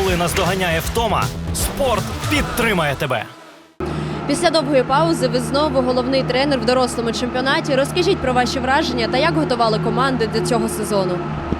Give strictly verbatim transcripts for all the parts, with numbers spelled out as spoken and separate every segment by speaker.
Speaker 1: Коли наздоганяє втома, спорт підтримає тебе.
Speaker 2: Після довгої паузи ви знову головний тренер в дорослому чемпіонаті. Розкажіть про ваші враження та як готували команди до цього сезону.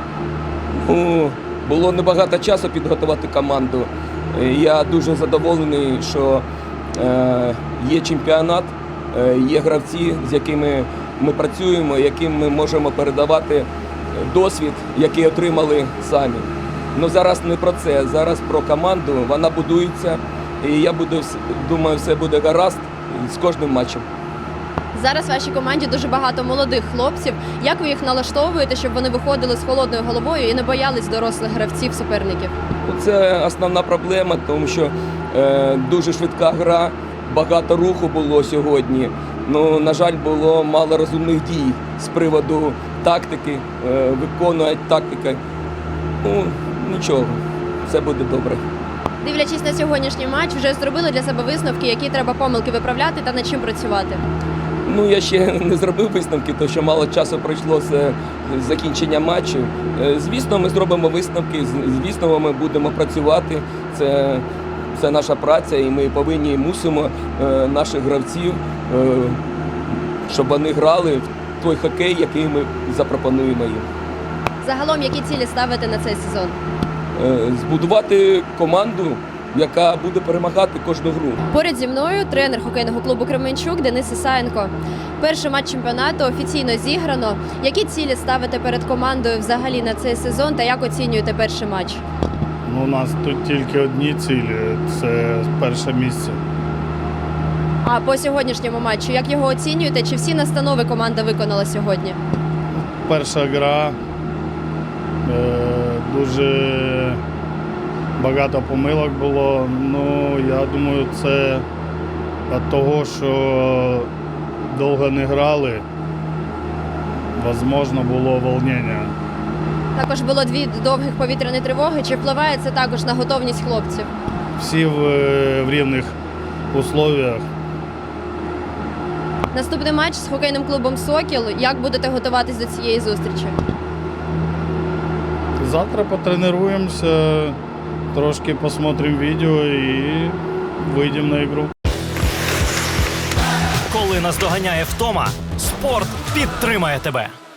Speaker 3: Ну, було небагато часу підготувати команду. Я дуже задоволений, що е, є чемпіонат, е, є гравці, з якими ми працюємо, яким ми можемо передавати досвід, який отримали самі. Ну, зараз не про це, зараз про команду, вона будується, і я буду, думаю, все буде гаразд з кожним матчем.
Speaker 2: Зараз в вашій команді дуже багато молодих хлопців. Як ви їх налаштовуєте, щоб вони виходили з холодною головою і не боялись дорослих гравців, суперників?
Speaker 3: Це основна проблема, тому що е, дуже швидка гра, багато руху було сьогодні. Ну, на жаль, було мало розумних дій з приводу тактики, е, виконують тактики. Ну, нічого, все буде добре.
Speaker 2: Дивлячись на сьогоднішній матч, вже зробили для себе висновки, які треба помилки виправляти та над чим працювати?
Speaker 3: Ну, я ще не зробив висновки, тому що мало часу пройшло з закінчення матчу. Е, Звісно, ми зробимо висновки, з- звісно, ми будемо працювати. Це, це наша праця, і ми повинні, мусимо е, наших гравців, е, щоб вони грали в той хокей, який ми запропонуємо їм.
Speaker 2: Загалом, які цілі ставите на цей сезон?
Speaker 3: Е, Збудувати команду, яка буде перемагати кожну гру.
Speaker 2: Поряд зі мною тренер хокейного клубу Кременчук Денис Ісаєнко. Перший матч чемпіонату офіційно зіграно. Які цілі ставите перед командою взагалі на цей сезон та як оцінюєте перший матч?
Speaker 4: Ну, у нас тут тільки одні цілі – це перше місце.
Speaker 2: А по сьогоднішньому матчу, як його оцінюєте? Чи всі настанови команда виконала сьогодні?
Speaker 4: Перша гра, е, дуже багато помилок було. Ну, я думаю, це від того, що довго не грали, можливо, було волнення.
Speaker 2: Також було дві довгих повітряні тривоги. Чи впливає це також на готовність хлопців?
Speaker 4: Всі в, в рівних условиях.
Speaker 2: Наступний матч з хокейним клубом «Сокіл». Як будете готуватись до цієї зустрічі?
Speaker 4: Завтра потренуємося, трошки посмотрим відео і вийдемо на ігру.
Speaker 1: Коли наздоганяє втома, спорт підтримає тебе.